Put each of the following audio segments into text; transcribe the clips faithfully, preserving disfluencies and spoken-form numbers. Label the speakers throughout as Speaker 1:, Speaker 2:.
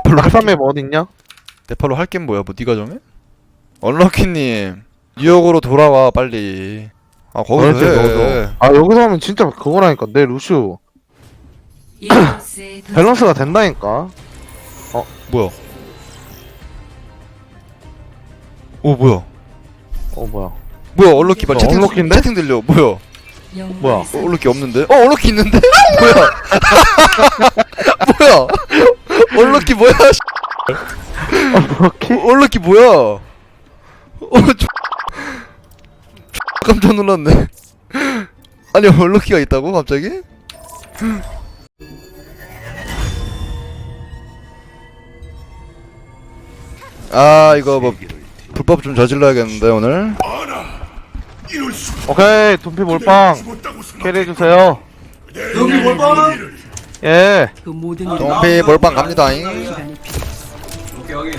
Speaker 1: 낙산맵 어딨냐?
Speaker 2: 네팔로 할 게 뭐야? 뭐 네가 정해? 언럭키님 뉴욕으로 돌아와 빨리. 아 거기서
Speaker 1: 너한테
Speaker 2: 해.
Speaker 1: 넣어줘. 아 여기서 하면 진짜 그거라니까. 내 루슈 밸런스가 된다니까.
Speaker 2: 뭐야? 오 뭐야?
Speaker 1: 어 뭐야?
Speaker 2: 뭐야 언럭키 말
Speaker 1: 어,
Speaker 2: 채팅
Speaker 1: 언럭키인데?
Speaker 2: 채팅 들려. 뭐야?
Speaker 1: 뭐야?
Speaker 2: 어, 언럭키 없는데? 어 언럭키 있는데? 뭐야? 뭐야? 언럭키 뭐야?
Speaker 1: 이렇게?
Speaker 2: 어, 언럭키 뭐야? 어 저... 깜짝 놀랐네. 아니 언럭키가 있다고 갑자기? 아 이거 뭐 불법 좀 저질러야겠는데 오늘.
Speaker 1: 오케이 둠피 몰빵 캐리해주세요.
Speaker 3: 여기 몰빵.
Speaker 1: 예.
Speaker 4: 그 모든
Speaker 2: 동피 몰빵 갑니다잉.
Speaker 3: 오케이 여기.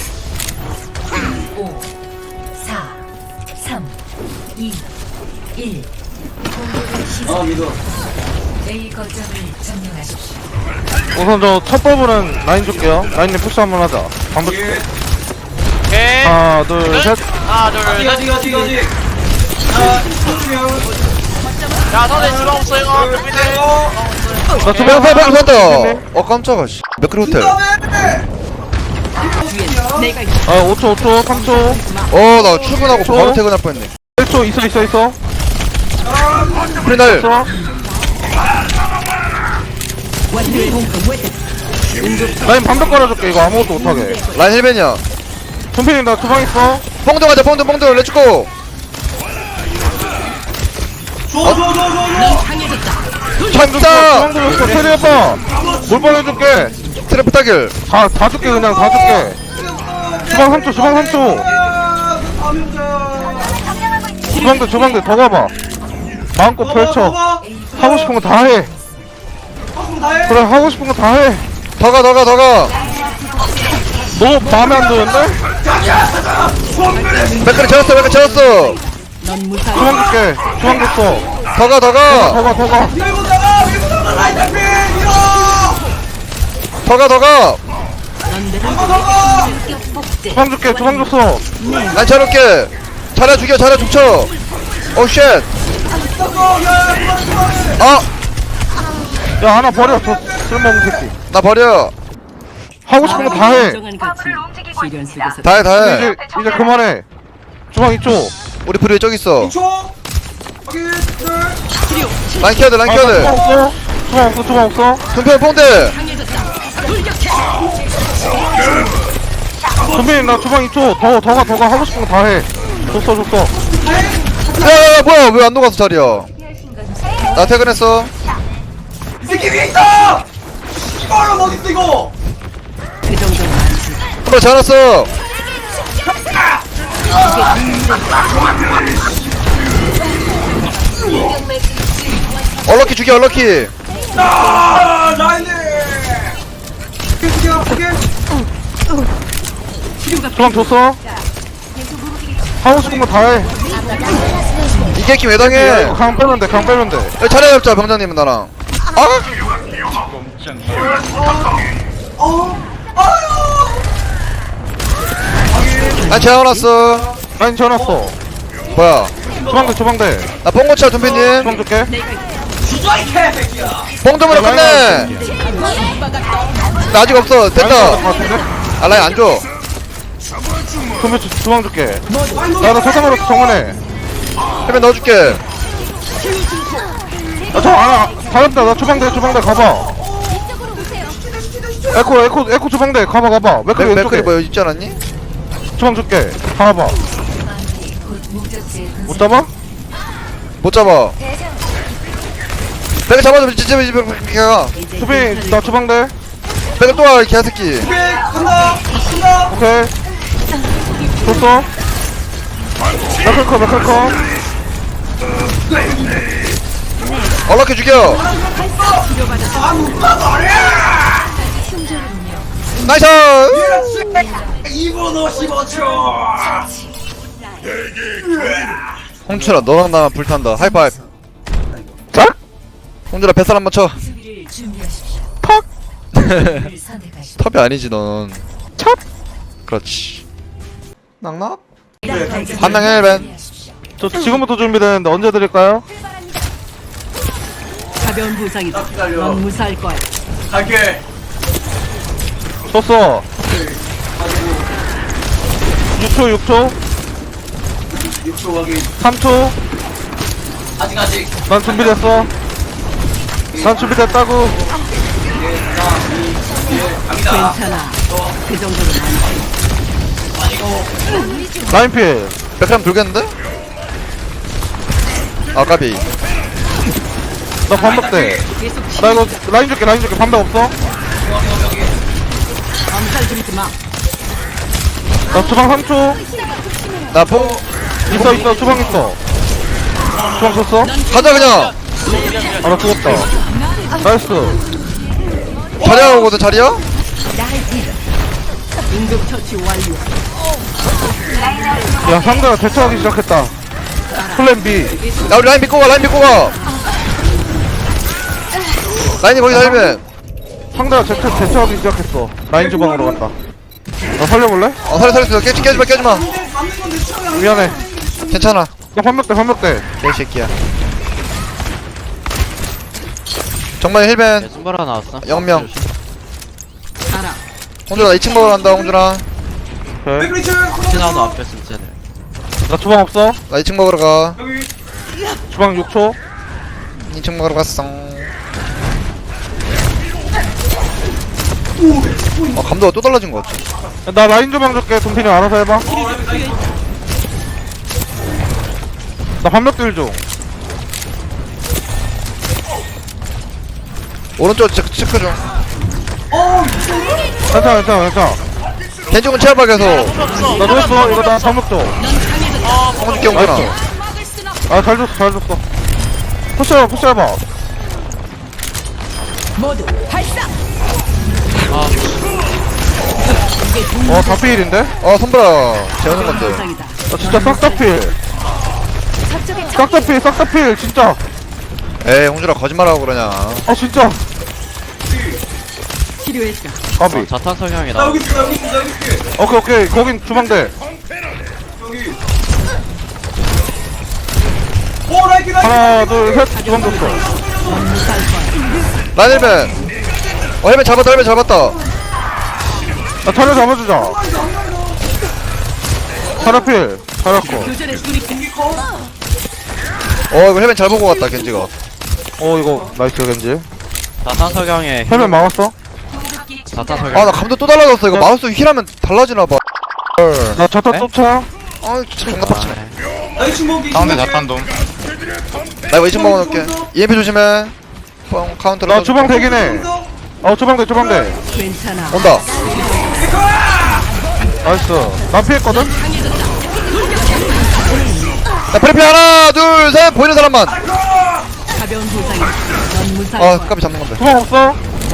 Speaker 5: 오, 사, 삼, 이, 일.
Speaker 3: 아 믿어.
Speaker 5: A 거점을 점령하십시오.
Speaker 1: 우선 저 첫 버블은 라인 줄게요. 라인님 푸시 한번 하자. 방금
Speaker 3: 오케이.
Speaker 6: 오케이.
Speaker 1: 하나 둘 셋.
Speaker 6: 하나, 둘,
Speaker 3: 가지
Speaker 6: 셋.
Speaker 3: 가지 가지 가지. 자 이쪽이요.
Speaker 6: 야, 선생 주방 없어요. 준비돼요.
Speaker 1: 나
Speaker 2: 주방
Speaker 1: 주방
Speaker 2: 빨리 간다. 어 깜짝아 씨. 매크로 호텔.
Speaker 4: 내가
Speaker 1: 아 오 초 오 초 삼 초
Speaker 2: 어 나 출근하고
Speaker 1: 저?
Speaker 2: 바로 퇴근할 뻔했네.
Speaker 1: 일 초 있어 있어 있어
Speaker 2: 프리날.
Speaker 1: 있어. 라인 반벽 깔아줄게. 이거 아무것도 못하게.
Speaker 2: 라인 힐벤이야.
Speaker 1: 둠피님 나 주방 있어.
Speaker 2: 뽕도 가자 뽕도 뽕도 렛츠고.
Speaker 3: 줘줘줘줘줘.
Speaker 2: 찬다.
Speaker 1: 주방 들었어. 캐리해봐. 몰빵 해줄게.
Speaker 2: 트래프 타길.
Speaker 1: 다, 다 줄게 그냥 다 줄게. 주방 삼 초 주방 삼 초 주방들 주방들 더 가봐. 마음껏 펼쳐. 하고 싶은 거 다 해. 그래 하고 싶은 거 다 해.
Speaker 2: 더가 더가 더가.
Speaker 1: 너 마음에 안 드는데?
Speaker 2: 맥크리 채웠어 맥크리 채웠어.
Speaker 4: 넌 무사히
Speaker 1: 주방 줄게. 주방 줬어.
Speaker 2: 더가 더가
Speaker 1: 더 가 더 가.
Speaker 3: 밀고 나가 밀고 나가 라인 잡히 밀어.
Speaker 2: 더가 더가.
Speaker 1: 주방 줄게. 주방 줬어.
Speaker 2: 난 차려올게. 차려 죽여 차려 죽쳐. 오쉣. 아
Speaker 1: 야 하나 버려. 저 쓸모없는 새끼.
Speaker 2: 나 버려.
Speaker 1: 하고 싶은 거 다 해.
Speaker 4: 인정하는 가치 시련 속에서
Speaker 2: 다해 다해.
Speaker 1: 이제 이제 그만해. 주방 이 초.
Speaker 2: 우리 프리 저기 있어.
Speaker 3: 초. 여기 둘.
Speaker 2: 라인 키워야 돼 라인
Speaker 1: 아,
Speaker 2: 키워야
Speaker 1: 주방
Speaker 2: 돼.
Speaker 1: 없어. 주방 없어. 주방 없어.
Speaker 2: 금편 뽕대.
Speaker 1: 선배님 나 주방 이 초. 더 더 가 더 가. 하고 싶은 거 다 해. 줬어 줬어.
Speaker 2: 야야야 뭐야 왜 안 녹아서 자리야. 나 퇴근했어.
Speaker 3: 이 새끼 위에 있다. 이거는 어디 있어 이거?
Speaker 4: 그 정도는 아니지.
Speaker 2: 한번 잘랐어. 얼럭키 죽여 얼럭키.
Speaker 3: 아 라인이. 죽여 죽여.
Speaker 1: 주방 줬어. 하고 싶은 거 다 해.
Speaker 2: 이 새끼 왜 당해.
Speaker 1: 강 빼면 돼. 강 빼면 돼.
Speaker 2: 야, 차례 잡자 병장님은 나랑. 아? 난 재워놨어.
Speaker 1: 라인 지어놨어.
Speaker 2: 뭐야?
Speaker 1: 주방대 주방대.
Speaker 2: 나 뽕고차 준비님.
Speaker 1: 주방 줄게.
Speaker 3: 주저 이 개새끼야.
Speaker 2: 뽕좀으로 끝내. 나 아직 없어.
Speaker 1: 라인
Speaker 2: 됐다.
Speaker 1: 지어놨을 것 같은데?
Speaker 2: 아 라인 안 줘.
Speaker 1: 선배 주, 주방 줄게. 나나 세상으로 정원해.
Speaker 2: 해면 넣어줄게.
Speaker 1: 나저 하나 잘했다. 나 주방대 주방대 가봐. 에코 에코 에코 주방대 가봐 가봐. 맥클
Speaker 2: 맥,
Speaker 1: 왼쪽에
Speaker 2: 맥클이 뭐 있지 않았니?
Speaker 1: 주방 줄게. 가봐. 못 잡아?
Speaker 2: 못 잡아. 맥을 잡아줘. 진짜 맥가.
Speaker 1: 수비 나 주방대.
Speaker 2: 맥을 또 와, 이 개새끼.
Speaker 3: 오케이 간다 간다.
Speaker 1: 오케이. 줬어. 맥클 커 맥클 커.
Speaker 2: 얼럭키 죽여. 나이스.
Speaker 3: 이 분 오십오 초.
Speaker 2: 홍철아 너랑 나랑 불탄다. 하이파이브.
Speaker 1: 자?
Speaker 2: 홍철아 뱃살 한번 쳐.
Speaker 5: 수비를 준비하십시오.
Speaker 1: 팍.
Speaker 5: 선택하십시오.
Speaker 2: 탑이 아니지 넌. 탑. 그렇지. 낙낙. 한명 헬벤.
Speaker 1: 저 지금부터 준비되는데 언제 드릴까요?
Speaker 4: 가벼운 부상이다. 넌 무사할 거야.
Speaker 3: 갈게.
Speaker 1: 줬어. 육 초 육 초
Speaker 3: 육 초 확인.
Speaker 1: 삼 초.
Speaker 3: 아직 아직.
Speaker 1: 난 준비됐어. 난 준비됐다고.
Speaker 3: 갑니다.
Speaker 4: 괜찮아. 그 정도는 아니지.
Speaker 1: 라인 필.
Speaker 2: 백그램 돌겠는데? 아 까비.
Speaker 1: 나 반박돼. 나 이거 라인 줄게 라인 줄게 반박 없어?
Speaker 4: 엄살 부리지 마.
Speaker 1: 나 주방 삼 초.
Speaker 2: 나뽕
Speaker 1: 있어 있어 주방 있어. 주방 줬어?
Speaker 2: 가자 그냥.
Speaker 1: 아 나 죽었다. 나이스.
Speaker 2: 자리야 오거든 자리야?
Speaker 4: 응급 처치 완료.
Speaker 1: 야 상대가 대처하기 시작했다. 플랜 B.
Speaker 2: 야 우리 라인 믿고 가 라인 믿고 가. 라인이 거기서 헬벤.
Speaker 1: 상대가 대처, 대처하기 시작했어. 라인 주방으로 간다. 나 살려볼래?
Speaker 2: 어 살려 살려 깨지 깨지마 깨지마.
Speaker 3: 맞는 건내 취향이
Speaker 1: 미안해.
Speaker 2: 괜찮아.
Speaker 1: 나 반박돼 반박돼.
Speaker 2: 개새끼야. 정말 헬벤.
Speaker 6: 손바라 나왔어.
Speaker 2: 영명.
Speaker 4: 알아.
Speaker 2: 홍준아 나 이 층 먹으러 간다 홍준아.
Speaker 1: 오케이.
Speaker 3: 백리츠.
Speaker 6: 지나도 앞에 진짜.
Speaker 1: 나 주방 없어.
Speaker 2: 나 이 층 먹으러 가.
Speaker 3: 여기.
Speaker 1: 주방 육 초.
Speaker 2: 이 층 먹으러 갔어. 어 감도가 또 달라진 것 같아.
Speaker 1: 나 라인 주방 줄게. 돈피니 알아서 해봐. 나 반박들 중.
Speaker 2: 오른쪽 체크, 체크 중.
Speaker 1: 괜찮아 괜찮아 괜찮아.
Speaker 2: 겐지군 체압하 계속.
Speaker 1: 나 누웠어. 이거 나 반박 줘.
Speaker 2: 홍준기 홍준아.
Speaker 1: 아 잘 줬어 잘 줬어. 푸시해봐 푸시해봐.
Speaker 4: 모두 발사.
Speaker 1: 어 다 필인데?
Speaker 2: 어 손보라 재우는 건데.
Speaker 4: 부상이다.
Speaker 1: 나 진짜 싹 다 필. 싹 다 필, 싹 다 필, 진짜.
Speaker 2: 에이 홍준아 거짓말하고 그러냐.
Speaker 1: 아 진짜.
Speaker 4: 필요했다.
Speaker 1: 까비.
Speaker 6: 자탄
Speaker 3: 나
Speaker 6: 성향이다.
Speaker 3: 여기 있어. 나 여기 있어. 나 여기 있어.
Speaker 1: 오케이 오케이 거긴 주방대.
Speaker 3: 여기. 오 라이트 라이트.
Speaker 1: 하나 둘셋 주방 줬어.
Speaker 4: 넌 무사할 거야.
Speaker 2: 라인 헬벤. 어 헬벤 잡았다 헬벤 잡았다.
Speaker 1: 나 차려 잡아주자. 차려 필. 차렸고.
Speaker 4: 교전에 돌입해.
Speaker 2: 어 이거 헬벤 잘 보고 갔다 겐지가.
Speaker 1: 어 이거 나이스 겐지.
Speaker 6: 자탄 성향에
Speaker 1: 헬멧 막았어?
Speaker 6: 자탄 성향.
Speaker 2: 아 나 감도 또 달라졌어. 이거 마우스 휠하면 달라지나봐.
Speaker 1: 나 자타
Speaker 6: 네?
Speaker 1: 쫓아.
Speaker 2: 아 진짜 존나 빡치네.
Speaker 3: 나 이 층 먹기.
Speaker 7: 상대 자탄돔.
Speaker 2: 나 이거 이 층 먹어놓을게. 이엠피 조심해. 뻥 카운터로
Speaker 1: 나 주방 대긴 해. 어 주방대 주방대.
Speaker 4: 괜찮아.
Speaker 2: 온다.
Speaker 1: 나이스. 나 피했거든?
Speaker 2: 야 프리피 하나 둘 셋 보이는 사람만.
Speaker 4: 가벼운 부상이다. 넌 무사할
Speaker 2: 아
Speaker 4: 거야.
Speaker 2: 까비 잡는 건데.
Speaker 1: 주방 없어?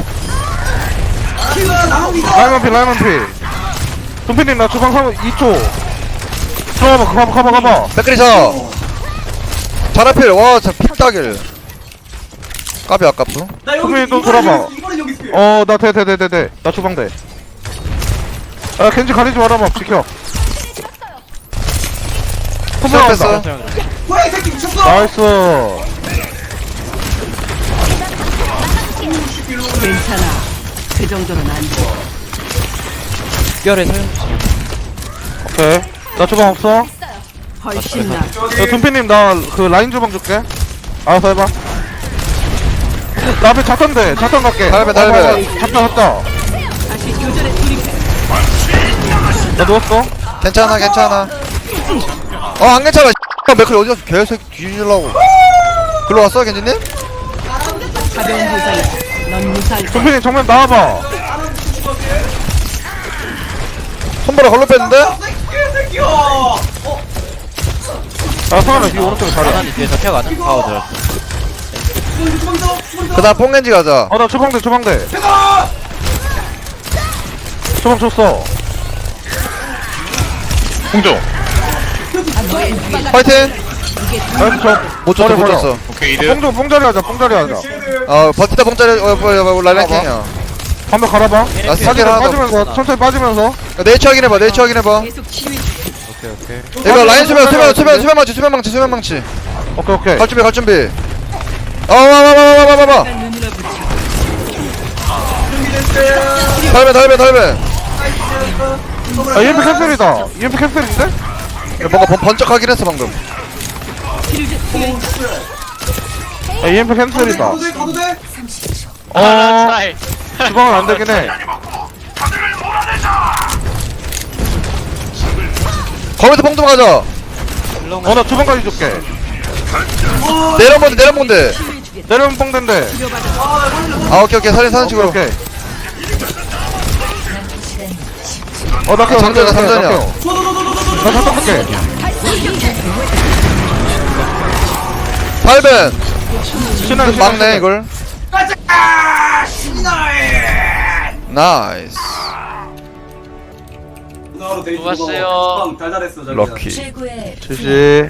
Speaker 3: 나갑니다.
Speaker 1: 라이먼 피 라이먼 피. 돈피님 나 주방 삼 이 초. 들어가봐 가봐 가봐 가봐.
Speaker 2: 백그리사. 자라필 와저 픽따길. 까비 아깝어.
Speaker 3: 나 여기.
Speaker 1: 선배님 또
Speaker 3: 이번엔
Speaker 1: 돌아봐.
Speaker 3: 여기 있어, 이번엔 여기 있어.
Speaker 1: 어나 돼 돼 돼 돼 돼. 나 주방대. 아 겐지 가리지 말아봐 지켜.
Speaker 2: 시작했어.
Speaker 3: 뭐야 이 새끼 미쳤어.
Speaker 1: 나이스.
Speaker 4: 괜찮아. 그 정도는 안 돼.
Speaker 6: 특별히 사용 주시면.
Speaker 1: 오케이. 나 주방 없어?
Speaker 4: 훨씬 나.
Speaker 1: 야 돈피님 나 그 라인 주방 줄게. 알아서 해봐. 나 앞에 자탄대 자탄 갈게.
Speaker 2: 달배, 달배.
Speaker 1: 어, 어, 어, 잡자 잡자.
Speaker 4: 다시 교전에 돌입해.
Speaker 1: 나 누웠어.
Speaker 2: 괜찮아 괜찮아. 어 안 괜찮아. 맥클 어디 갔어? 개새끼 뒤질라고. 글로 왔어 겐지님?
Speaker 4: 가벼운 부상이다. 넌 무사할 거야.
Speaker 1: 돈피님 정면 나와봐.
Speaker 2: 손보라 걸로 뺐는데?
Speaker 3: 새끼야. 어.
Speaker 1: 아 성환아 이 오른쪽에 자리.
Speaker 6: 자탄이 뒤에서 켜가는 파워 들었어.
Speaker 3: 주방 더. 주방 더.
Speaker 2: 그 다음 뽕겐지 가자.
Speaker 1: 어나 주방대 주방대.
Speaker 3: 제가.
Speaker 1: 주방 줬어.
Speaker 7: 홍조.
Speaker 2: 파이팅!
Speaker 1: 나이스 저.
Speaker 2: 못 쳤어 못 쳤어.
Speaker 7: 오케이 이득.
Speaker 1: 뽕조 뽕자리 하자 뽕자리 하자.
Speaker 2: 어 버티다 뽕짜리 어 뭐야 뭐 라이라이팅이야.
Speaker 1: 한번 갈아봐.
Speaker 2: 나 스킬 하나 더
Speaker 1: 빠지면서 천천히 빠지면서.
Speaker 2: 야, 네이처 확인해봐 네이처 확인해봐
Speaker 4: 계속 치유.
Speaker 1: 오케이 오케이.
Speaker 2: 이거 라인 수면 수면 수면 수면 망치 수면 망치 수면 망치
Speaker 1: 오케이 오케이.
Speaker 2: 갈 준비 갈 준비 어와와와와와와와
Speaker 4: 눈으로 붙여.
Speaker 2: 달배 달배 달배
Speaker 1: 아 이엠피 캔슬이다. 이엠피 캔슬인데?
Speaker 2: 야, 뭔가 번, 번쩍하긴 했어 방금
Speaker 1: 아 이엠피 캔슬이다.
Speaker 3: 가도 돼 가도 돼.
Speaker 5: 삼십 초.
Speaker 1: 어
Speaker 6: 트라이
Speaker 1: 주방은 안 되긴 해.
Speaker 2: 거기서 뽕 좀 가자
Speaker 1: 어나 주방까지 줄게.
Speaker 2: 내려본데 내려본데
Speaker 1: 내려면 뽕된대.
Speaker 2: 아 오케이 오케이 살린 사는 식으로
Speaker 1: 오케이.
Speaker 5: 남은 시간 십 초.
Speaker 1: 어나 켜.
Speaker 2: 장전이야, 장전이야.
Speaker 1: 나 잠깐 할게.
Speaker 2: 달벤
Speaker 1: 신나
Speaker 2: 막네 이걸 나이스
Speaker 3: 누나로 데이트
Speaker 6: 수고하세요.
Speaker 3: 방 달달했어 자기야.
Speaker 2: 럭키
Speaker 5: 최고의
Speaker 1: 지지.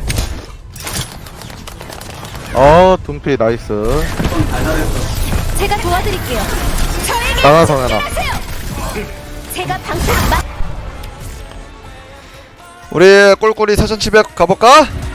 Speaker 1: 어 둠피 나이스.
Speaker 3: 방 달달했어.
Speaker 7: 제가 도와드릴게요. 저에게
Speaker 1: 나가서 내놔.
Speaker 7: 제가 방패 막
Speaker 2: 우리 꼴꼴이 사천칠백 가볼까?